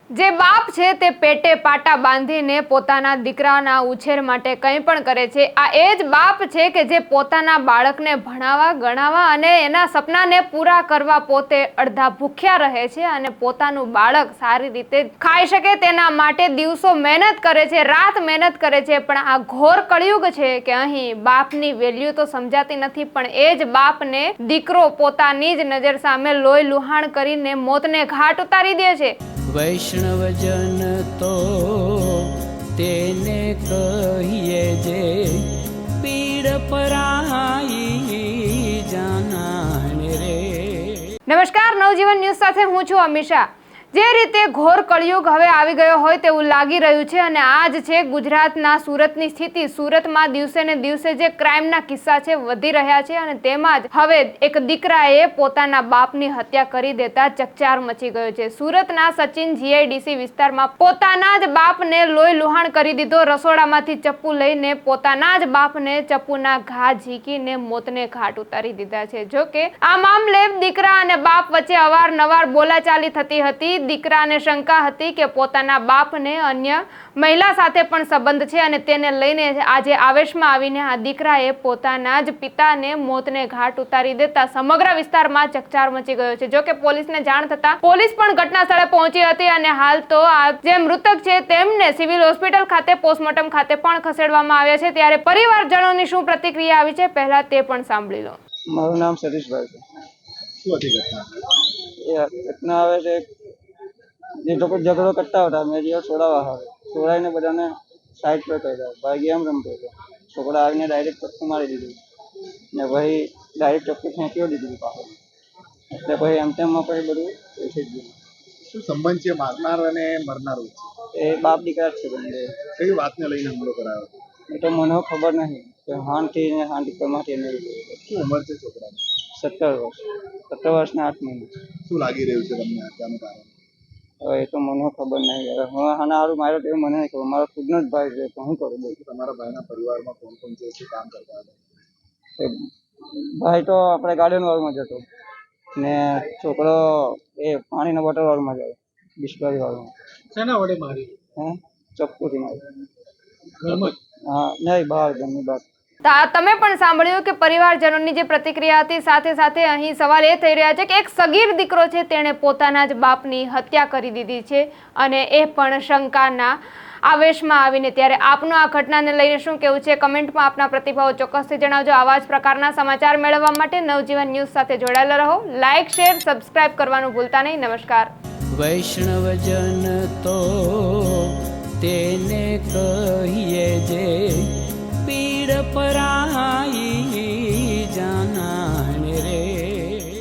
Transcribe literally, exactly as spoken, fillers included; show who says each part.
Speaker 1: જે બાપ છે તે પેટે પાટા બાંધીને પોતાના દીકરાના ઉછેર માટે કંઈ પણ કરે છે। આ એ જ બાપ છે કે જે પોતાના બાળકને ભણાવવા ગણાવવા અને એના સપનાને પૂરા કરવા પોતે અડધા ભૂખ્યા રહે છે અને પોતાનું બાળક સારી રીતે ખાઈ શકે તેના માટે દિવસો મહેનત કરે છે, રાત મહેનત કરે છે। પણ આ ઘોર કળિયુગ છે કે અહીં બાપની વેલ્યુ તો સમજાતી નથી, પણ એ જ બાપને દીકરો પોતાની જ નજર સામે લોહી લુહાણ કરીને મોતને ઘાટ ઉતારી દે છે।
Speaker 2: વૈષ્ણવજન તો તેને કહીએ જે પીડ પરાઈ જાનાને રે।
Speaker 1: નમસ્કાર, નવજીવન ન્યૂઝ સાથે હું છું અમીષા। જે રીતે ઘોર કળિયુગ હવે આવી ગયો હોય તેવું લાગી રહ્યું છે અને આ જ છે ગુજરાતના સુરતની સ્થિતિ। સુરતમાં દિવસે ને દિવસે જે ક્રાઇમના કિસ્સા છે વધી રહ્યા છે અને તેમાં જ હવે એક દીકરાએ પોતાના બાપની હત્યા કરી દેતા ચકચાર મચી ગયો છે। સુરતના સચિન જીઆઈડીસી વિસ્તારમાં પોતાના જ બાપને લોહી લુહાણ કરી દીધો। રસોડામાંથી ચપ્પુ લઈને પોતાના જ બાપને ચપ્પુના ઘા ઝીકીને મોતને ઘાટ ઉતારી દીધા છે। જો કે આ મામલે દીકરા અને બાપ વચ્ચે અવારનવાર બોલાચાલી થતી હતી। દીકરાને શંકા હતી કે પોતાના બાપને અન્ય મહિલા સાથે પણ સંબંધ છે અને તેને લઈને આજે આવેશમાં આવીને આ દીકરાએ પોતાના જ પિતાને મોતને ઘાટ ઉતારી દેતા સમગ્ર વિસ્તારમાં ચકચાર મચી ગયો છે। જો કે પોલીસને જાણ થતા પોલીસ પણ ઘટના સ્થળે પહોંચી હતી અને હાલ તો આ જે મૃતક છે તેમને સિવિલ હોસ્પિટલ ખાતે પોસ્ટમોર્ટમ ખાતે પણ ખસેડવામાં આવ્યા છે। ત્યારે પરિવારજનોની શું પ્રતિક્રિયા આવી છે પહેલા તે પણ સાંભળી લો।
Speaker 3: મારું નામ સતીશભાઈ છે।
Speaker 4: શું હતી ઘટના?
Speaker 3: એ ઘટના આવે છે, જે લોકો ઝઘડો કરતા હતા મેં જે છોડાવવા આવે છોડાવીને બધાને સાઈડ પર કર્યા। ભાઈ ગેમ રમતો હતો, છોકરા આવીને ડાયરેક્ટ ચપ્પુ મારી દીધું ને પછી ડાયરેક્ટ ચપ્પુ ફેંકી દીધું પાછળ, એટલે પછી એમ તેમમાં પછી બધું થઈ ગયું।
Speaker 4: શું સંબંધ છે મારનાર અને મરનાર વચ્ચે?
Speaker 3: એ બાપ દીકરા જ છે બંને।
Speaker 4: કઈ વાતને લઈને હુમલો કરાયો?
Speaker 3: એ તો મને ખબર નહીં કે હાનથી ને હાનથી પરમાંથી એને
Speaker 4: શું ઉંમર છે છોકરાની?
Speaker 3: સત્તર વર્ષ સત્તર વર્ષના આઠ મહિના।
Speaker 4: શું લાગી રહ્યું છે તમને હત્યાનું કારણ?
Speaker 3: હવે એ તો મને ખબર નહીં, હવે હું આના સારું માર્યો તો મને નહીં ખબર, મારો ખુદનો જ ભાઈ છે તો હું કરું બોલ।
Speaker 4: તમારા ભાઈના પરિવારમાં કોણ કોણ છે, શું કામ કરતા હતા?
Speaker 3: એ ભાઈ તો આપણે ગાર્ડન વાળમાં જતો ને છોકરો એ પાણીના બોટલ વાળમાં જાય, બિસ્લરી વાળમાં।
Speaker 4: શેના વડે મારી?
Speaker 3: હે ચપ્પુથી મારી।
Speaker 4: ઘરમાં?
Speaker 3: હા નહીં, બહાર ઘરની બહાર।
Speaker 1: તમે પણ સાંભળ્યું કે પરિવારજનોની જે પ્રતિક્રિયા હતી। સાથે સાથે અહીં સવાલ એ થઈ રહ્યા છે કે એક સગીર દીકરો છે તેણે પોતાના જ બાપની હત્યા કરી દીધી છે અને એ પણ શંકાના આવેશમાં આવીને। ત્યારે આપનું આ ઘટનાને લઈને શું કહેવું છે કમેન્ટમાં આપના પ્રતિભાવો ચોક્કસથી જણાવજો। આવા જ પ્રકારના સમાચાર મેળવવા માટે નવજીવન ન્યૂઝ સાથે જોડાયેલા રહો। લાઇક, શેર, સબસ્ક્રાઇબ કરવાનું ભૂલતા નહીં। નમસ્કાર।
Speaker 2: વૈષ્ણવજન તો તેને કહીએ